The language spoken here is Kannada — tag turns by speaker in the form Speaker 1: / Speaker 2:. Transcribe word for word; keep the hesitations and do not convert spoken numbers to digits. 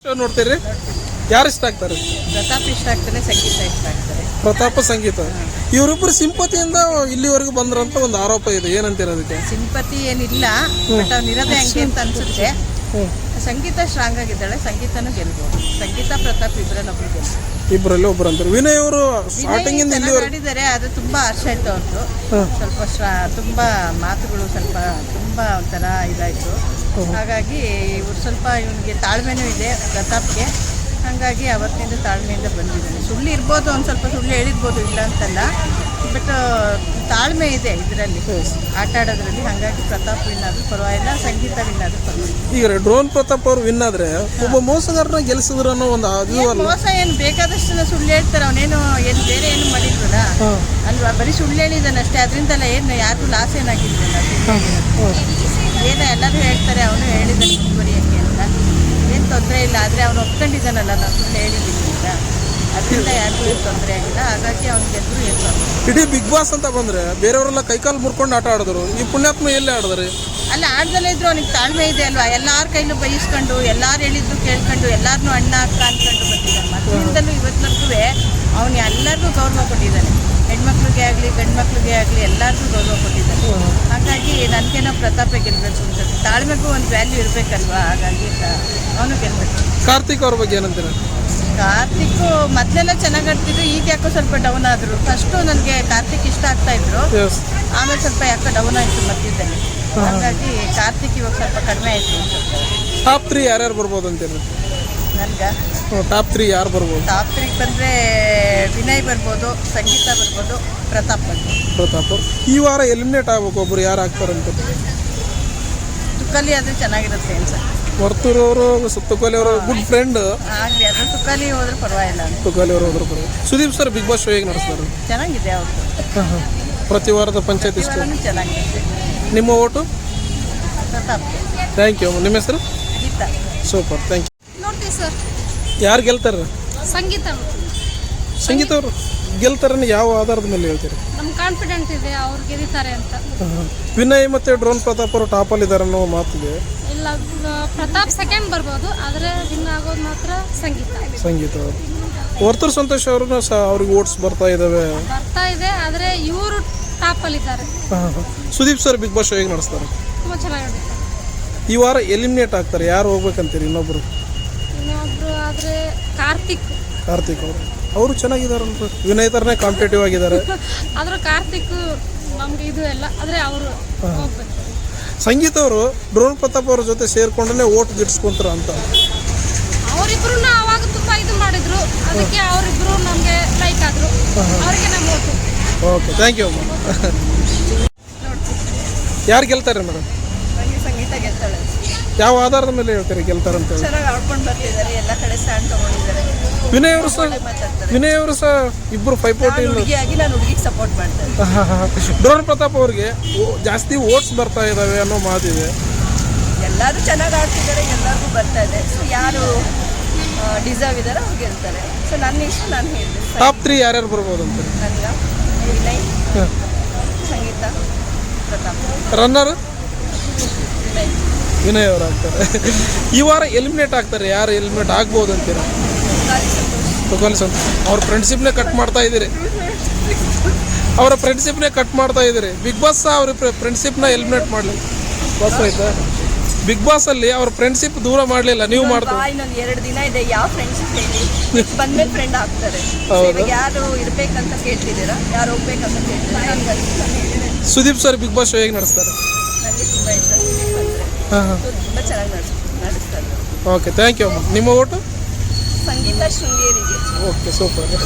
Speaker 1: ನೋಡ್ತೀರಿ? ಯಾರು ಇಷ್ಟ ಆಗ್ತಾರೆ?
Speaker 2: ಪ್ರತಾಪ್ ಇಷ್ಟ ಆಗ್ತಾರೆ, ಸಂಗೀತ ಇಷ್ಟ ಆಗ್ತಾರೆ.
Speaker 1: ಪ್ರತಾಪ, ಸಂಗೀತ ಇವರಿಬ್ಬರು ಸಿಂಪತಿಯಿಂದ ಇಲ್ಲಿವರೆಗೂ ಬಂದ್ರಂತ ಒಂದು ಆರೋಪ ಇದೆ. ಏನಂತೀರ ಅದಕ್ಕೆ?
Speaker 2: ಸಿಂಪತಿ ಏನಿಲ್ಲ, ಬಟ್ ಅವ್ನು ಇರೋದೇ ಹಂಗೆ ಅಂತ ಅನ್ಸುತ್ತೆ. ಸಂಗೀತ ಸ್ಟ್ರಾಂಗ್ ಆಗಿದ್ದಾಳೆ, ಸಂಗೀತನೂ ಗೆಲ್ಬೋದು. ಸಂಗೀತ ಪ್ರತಾಪ್ ಇಬ್ಬರಲ್ಲಿ ಒಬ್ರು ಗೆಲ್ಬೋದು.
Speaker 1: ಇಬ್ಬರಲ್ಲಿ ಒಬ್ರು ಅಂತಾರೆ. ವಿನಯ್ ಅವರು ಸ್ಟಾರ್ಟಿಂಗ್ ಇಂದ ಇಲ್ಲಿ
Speaker 2: ಮಾಡಿದ್ದಾರೆ, ಅದು ತುಂಬಾ ಹರ್ಷ ಆಯ್ತು. ಅವ್ರದ್ದು ಸ್ವಲ್ಪ ಸ್ಟ್ರಾ ತುಂಬಾ ಮಾತುಗಳು ಸ್ವಲ್ಪ ತುಂಬಾ ಒಂಥರ ಇದಾಯ್ತು. ಹಾಗಾಗಿ ಇವ್ರು ಸ್ವಲ್ಪ ಇವನಿಗೆ ತಾಳ್ಮೆನೂ ಇದೆ ಪ್ರತಾಪ್ಗೆ. ಹಾಗಾಗಿ ಅವತ್ತಿನಿಂದ ತಾಳ್ಮೆಯಿಂದ ಬಂದಿದ್ದಾನೆ. ಸುಳ್ಳು ಇರ್ಬೋದು, ಒಂದು ಸ್ವಲ್ಪ ಸುಳ್ಳು ಹೇಳಿರ್ಬೋದು, ಇಲ್ಲ ಅಂತಲ್ಲ, ಬಟ್ ತಾಳ್ಮೆ ಇದೆ ಇದರಲ್ಲಿ, ಆಟ ಆಡೋದ್ರಲ್ಲಿ. ಹಾಗಾಗಿ ಪ್ರತಾಪ್ ವಿನ್ ಆದ್ರೂ ಪರವಾಗಿಲ್ಲ, ಸಂಗೀತ ವಿನ್ ಆದ್ರೂ ಪರವಾಗಿಲ್ಲ.
Speaker 1: ಈಗ ಡ್ರೋನ್ ಪ್ರತಾಪ್ ಅವ್ರು ವಿನ್ ಆದ್ರೆ ಒಬ್ಬ ಮೋಸಗಾರನ ಗೆಲ್ಸಿದ್ರು ಅನ್ನೋ ಒಂದು
Speaker 2: ಮೋಸ ಏನು ಬೇಕಾದಷ್ಟು ಸುಳ್ಳು ಹೇಳ್ತಾರೆ. ಅವನೇನು ಏನು ಬೇರೆ ಏನು ಮಾಡಿದ್ವಲ್ಲ ಅಲ್ವಾ, ಬರೀ ಸುಳ್ಳು ಹೇಳಿದ್ದಾನೆ ಅಷ್ಟೇ. ಅದರಿಂದಲ್ಲ ಏನು ಯಾರಿಗೂ ಲಾಸ್ ಏನಾಗಿದ್ದಲ್ಲ, ಏನೋ ಎಲ್ಲರೂ ಹೇಳ್ತಾರೆ ಅವನು ಹೇಳಿದ್ದಾನೆ ಮುಂದುವರಿಯಕ್ಕೆ ಅಂತ. ಏನು ತೊಂದರೆ ಇಲ್ಲ, ಆದರೆ ಅವನು ಒಪ್ಕೊಂಡಿದ್ದಾನಲ್ಲ ನಾನು ಸುಳ್ಳು ಹೇಳಿದ್ದೀನಿ ಅಂತ, ಅದರಿಂದ ಯಾರಿಗೂ ಏನು ತೊಂದರೆ ಆಗಿಲ್ಲ. ಹಾಗಾಗಿ ಅವ್ನು ಗೆದ್ರು ಏನು ತೊಂದರೆ.
Speaker 1: ಇಡೀ ಬಿಗ್ ಬಾಸ್ ಅಂತ ಬಂದ್ರೆ ಬೇರೆಯವರೆಲ್ಲ ಕೈಕಾಲು ಮುರ್ಕೊಂಡು ಆಟ ಆಡಿದ್ರು, ಈ ಪುಣ್ಯಾತ್ಮ ಎಲ್ಲೇ ಆಡಿದ್ರಿ?
Speaker 2: ಅಲ್ಲ, ಆಡ್ದಲ್ಲೇ ಇದ್ರು ಅವನಿಗೆ ತಾಳ್ಮೆ ಇದೆ ಅಲ್ವಾ. ಎಲ್ಲಾರ ಕೈಲೂ ಬೈಸ್ಕೊಂಡು, ಎಲ್ಲಾರು ಹೇಳಿದ್ದು ಕೇಳ್ಕೊಂಡು, ಎಲ್ಲಾರನ್ನೂ ಅಣ್ಣ ಅಕ್ಕ ಅಂದ್ಕೊಂಡು ಬಂದಿದ್ದಾನೆ. ಮೊದಲಿಂದಲೂ ಇವತ್ತಿನವರೆಗೂ ಅವನು ಎಲ್ಲರಿಗೂ ಗೌರವ ಕೊಟ್ಟಿದ್ದಾನೆ. ಹೆಣ್ಮಕ್ಳಿಗೆ ಆಗಲಿ ಗಂಡು ಮಕ್ಳಿಗೆ ಆಗಲಿ ಎಲ್ಲರಿಗೂ ಗೌರವ ಕೊಟ್ಟಿದ್ದಾನೆ. ಹಾಗಾಗಿ ನನಗೇನೋ ಪ್ರತಾಪ ಗೆಲ್ಲಬೇಕು ಅನ್ಸುತ್ತೆ. ತಾಳ್ಮೆಗೂ ಒಂದು ವ್ಯಾಲ್ಯೂ ಇರಬೇಕಲ್ವಾ, ಹಾಗಾಗಿ ಅವನು ಗೆಲ್ಲಬೇಕು.
Speaker 1: ಕಾರ್ತಿಕ್ ಅವ್ರ ಬಗ್ಗೆ ಏನಂತೀರ?
Speaker 2: ಕಾರ್ತಿಕ್ ಮೊದಲೆಲ್ಲ ಚೆನ್ನಾಗಿ ಆಡ್ತಿದ್ರು, ಈಗ ಯಾಕೋ ಸ್ವಲ್ಪ ಡೌನ್ ಆದರು. ಫಸ್ಟು ನನಗೆ ಕಾರ್ತಿಕ್ ಇಷ್ಟ ಆಗ್ತಾ ಇದ್ರು, ಆಮೇಲೆ ಸ್ವಲ್ಪ ಯಾಕೋ ಡೌನ್ ಆಯಿತು ಮಧ್ಯದಲ್ಲಿ. ಹಾಗಾಗಿ ಕಾರ್ತಿಕ್ ಇವಾಗ ಸ್ವಲ್ಪ ಕಡಿಮೆ ಆಯಿತು.
Speaker 1: ಟಾಪ್ ತ್ರೀ ಯಾರ್ಯಾರು ಬರ್ಬೋದು ಅಂತೀರಿ?
Speaker 2: ನನಗೆ
Speaker 1: ಟಾಪ್ ತ್ರೀ ಯಾರು ಬರ್ಬೋದು?
Speaker 2: ಟಾಪ್ ತ್ರೀ ಬಂದರೆ ವಿನಯ್ ಬರ್ಬೋದು, ಸಂಗೀತ ಬರ್ಬೋದು, ಪ್ರತಾಪ್ ಬರ್ಬೋದು.
Speaker 1: ಪ್ರತಾಪ್ ಈ ವಾರ ಎಲಿಮಿನೇಟ್ ಆಗ್ಬೇಕು ಒಬ್ರು, ಯಾರು ಆಗ್ತಾರಂತ?
Speaker 2: ತುಕಾಲಿ ಆದರೆ ಚೆನ್ನಾಗಿರುತ್ತೆ ಅನ್ಸುತ್ತೆ.
Speaker 1: ವರ್ತೂರ್ ಅವರು, ತುಕಾಲಿ ಅವರು ಗುಡ್ ಫ್ರೆಂಡ್.
Speaker 2: ಆಗಲಿ, ಅದು ತುಕಾಲಿ ಹೋದ್ರೆ ಪರವಾಗಿಲ್ಲ.
Speaker 1: ತುಕಾಲಿ ಅವರು ಹೋದ್ರೆ ಪರವಾಗಿಲ್ಲ. Sudeep sir big boss show ಹೇಗೆ ನಡೆಸ್ತಾರೆ?
Speaker 2: ಚೆನ್ನಾಗಿದೆ ಅವ್ರದ್ದು.
Speaker 1: ಪ್ರತಿ ವಾರದ ಪಂಚಾಯತ್ ಇಷ್ಟ
Speaker 2: ಚೆನ್ನಾಗಿದೆ.
Speaker 1: ನಿಮ್ಮ ಓಟು?
Speaker 2: ಪ್ರತಾಪ್.
Speaker 1: Thank you. ನಿಮ್ಮ ಹೆಸರು?
Speaker 2: ಗೀತಾ.
Speaker 1: Super, thank you.
Speaker 3: ನೋಡ್ತೀವಿ ಸರ್.
Speaker 1: ಯಾರು ಗೆಲ್ತಾರೆ?
Speaker 3: ಸಂಗೀತ.
Speaker 1: ಸಂಗೀತ ಅವರು ಗೆಲ್ತಾರನ್ನ ಯಾವ ಆಧಾರದ ಮೇಲೆ ಹೇಳ್ತೀರಿ?
Speaker 3: ನಮ್ಗೆ ಕಾನ್ಫಿಡೆಂಟ್ ಇದೆ ಅವ್ರು ಗೆಲ್ತಾರೆ ಅಂತ.
Speaker 1: ವಿನಯ್ ಮತ್ತು ಡ್ರೋನ್ ಪ್ರತಾಪ್ ಅವರು ಟಾಪಲ್ಲಿ ಇದ್ದಾರೆ ಅನ್ನೋ ಮಾತಿದೆ.
Speaker 3: ಇಲ್ಲ, ಪ್ರತಾಪ್ ಸೆಕೆಂಡ್ ಬರ್ಬೋದು, ಆದರೆ ವಿನ್ ಆಗೋದು ಮಾತ್ರ ಸಂಗೀತ.
Speaker 1: ಸಂಗೀತ ಅವರು. ವರ್ತೂರ್ ಸಂತೋಷ್ ಅವ್ರನ್ನ ಸಹ ಅವ್ರಿಗೆ ಓಟ್ಸ್ ಬರ್ತಾ ಇದ್ದಾವೆ.
Speaker 3: ಬರ್ತಾ ಇದೆ, ಆದರೆ ಇವರು ಟಾಪಲ್ಲಿ ಇದ್ದಾರೆ.
Speaker 1: Sudeep sir big boss show ಹೇಗೆ ನಡೆಸ್ತಾರೆ?
Speaker 3: ತುಂಬ ಚೆನ್ನಾಗಿ.
Speaker 1: ಈ ವಾರ ಎಲಿಮಿನೇಟ್ ಆಗ್ತಾರೆ, ಯಾರು ಹೋಗ್ಬೇಕಂತೀರಿ? ಇನ್ನೊಬ್ರು
Speaker 3: ಇನ್ನೊಬ್ರು ಆದರೆ ಕಾರ್ತಿಕ್.
Speaker 1: ಕಾರ್ತಿಕ್ ಅವರು ಅವರು ಚೆನ್ನಾಗಿದ್ದಾರಂತ. ವಿನಯ್ ಥರನೇ ಕಾಂಪಿಟೇಟಿವ್ ಆಗಿದ್ದಾರೆ.
Speaker 3: ಆದರೂ ಕಾರ್ತಿಕ್ ನಮ್ಗೆ ಇದು ಎಲ್ಲ, ಆದರೆ ಅವರು ಹೋಗ್ಬೇಕು.
Speaker 1: ಸಂಗೀತ ಅವರು ಡ್ರೋನ್ ಪ್ರತಾಪ್ ಅವ್ರ ಜೊತೆ ಸೇರ್ಕೊಂಡೇ ಓಟ್ ಗಿಟ್ಸ್ಕೊಂತಾರ ಅಂತ.
Speaker 3: ಅವರಿಬ್ರು ಅವಾಗ ತುಂಬ ಇದು ಮಾಡಿದ್ರು, ಅದಕ್ಕೆ ಅವರಿಬ್ರು ನಮಗೆ ಲೈಕ್ ಆದರು, ಅವರಿಗೆ ನಮ್ಮ ಓಟು.
Speaker 1: ಓಕೆ, ಥ್ಯಾಂಕ್ ಯು ಅಮ್ಮ. ಯಾರು ಗೆಲ್ತಾರೆ ಮೇಡಮ್?
Speaker 2: ನನಗೆ ಸಂಗೀತ ಗೆಲ್ತಾಳೆ.
Speaker 1: ಯಾವ ಆಧಾರದ ಮೇಲೆ ಹೇಳ್ತಾರೆ ಗೆಲ್ತಾರಂತ?
Speaker 2: ಚೆನ್ನಾಗಿ ಆಡ್ಕೊಂಡು ಬರ್ತಿದ್ದಾರೆ, ಎಲ್ಲ ಕಡೆ ಸ್ಟ್ಯಾಂಡ್ ತಗೊಂಡಿದ್ದಾರೆ.
Speaker 1: ವಿನಯ್ ಅವರು ಸಹ ವಿನಯ್ ಅವರು ಸಹ ಇಬ್ಬರು ಪೈಪೋಟಿ.
Speaker 2: ಹುಡುಗಿಯಾಗಿ ನಾನು ಹುಡುಗಿಗೆ ಸಪೋರ್ಟ್ ಮಾಡ್ತೇನೆ.
Speaker 1: ಡ್ರೋನ್ ಪ್ರತಾಪ್ ಅವ್ರಿಗೆ ಜಾಸ್ತಿ ಓಟ್ಸ್ ಬರ್ತಾ ಇದ್ದಾವೆ ಅನ್ನೋ ಮಾತಿದೆ.
Speaker 2: ಎಲ್ಲರೂ ಚೆನ್ನಾಗಿ ಆಡ್ತಿದ್ದಾರೆ, ಎಲ್ಲರಿಗೂ ಬರ್ತಾ ಇದೆ. ಸೊ ಯಾರು ಡಿಸರ್ವ್ ಇದ್ದಾರೆ ಅವ್ರು ಗೆಲ್ತಾರೆ. ಸೊ ನನ್ನ ಇಷ್ಟ ನಾನು ಹೇಳ್ತೀನಿ.
Speaker 1: ಟಾಪ್ ತ್ರೀ ಯಾರ್ಯಾರು ಬರ್ಬೋದು ಅಂತ?
Speaker 2: ನನಗೆ ವಿನಯ್, ಸಂಗೀತ, ಪ್ರತಾಪ್.
Speaker 1: ರನ್ನರ್
Speaker 2: ವಿನಯ್.
Speaker 1: ವಿನಯ್ ಅವರು ಆಗ್ತಾರೆ. ಈ ವಾರ ಎಲಿಮಿನೇಟ್ ಆಗ್ತಾರೆ, ಯಾರು ಎಲಿಮಿನೇಟ್ ಆಗ್ಬೋದು ಅಂತೀರ? ತುಕಾಲಿ ಸಂತೋಷ್. ಅವ್ರ ಫ್ರೆಂಡ್ಶಿಪ್ನೇ ಕಟ್ ಮಾಡ್ತಾ ಇದ್ದೀರಿ. ಅವರ ಫ್ರೆಂಡ್ಶಿಪ್ನೇ ಕಟ್ ಮಾಡ್ತಾ ಇದ್ದೀರಿ. ಬಿಗ್ ಬಾಸ್ ಅವ್ರ ಫ್ರೆಂಡ್ಶಿಪ್ನ ಎಲಿಮಿನೇಟ್ ಮಾಡಲಿ. ಬಾಸ್ ಆಯ್ತಾ? ಬಿಗ್ ಬಾಸ್ ಅಲ್ಲಿ ಅವ್ರ ಫ್ರೆಂಡ್ಶಿಪ್ ದೂರ ಮಾಡಲಿಲ್ಲ, ನೀವು ಮಾಡ್ತೀವಿ.
Speaker 2: ಇನ್ನೊಂದು ಎರಡು ದಿನ ಇದೆ, ಯಾವ ಫ್ರೆಂಡ್ಶಿಪ್ ಹೇಳಿ ಬಂದ್ಮೇಲೆ ಫ್ರೆಂಡ್ ಆಗ್ತಾರೆ. ಯಾರು ಇರ್ಬೇಕಂತ ಕೇಳ್ತಿದ್ದೀರಾ, ಯಾರು ಹೋಗ್ಬೇಕಂತ ಕೇಳ್ತಿದ್ದೀರಾ?
Speaker 1: Sudeep sir big boss show ಹೇಗೆ ನಡೆಸ್ತಾರೆ?
Speaker 2: ನನಗೆ ತುಂಬ ಇಷ್ಟ.
Speaker 1: ಹಾಂ ಹಾಂ,
Speaker 2: ತುಂಬ ಚೆನ್ನಾಗಿ ನಡೆಸ್ ನಡೆಸ್ತಾರೆ.
Speaker 1: ಓಕೆ, ಥ್ಯಾಂಕ್ ಯು ಅಮ್ಮ. ನಿಮ್ಮ ಓಟು?
Speaker 2: ಸಂಗೀತ ಶೃಂಗೇರಿಗೆ.
Speaker 1: Okay, super.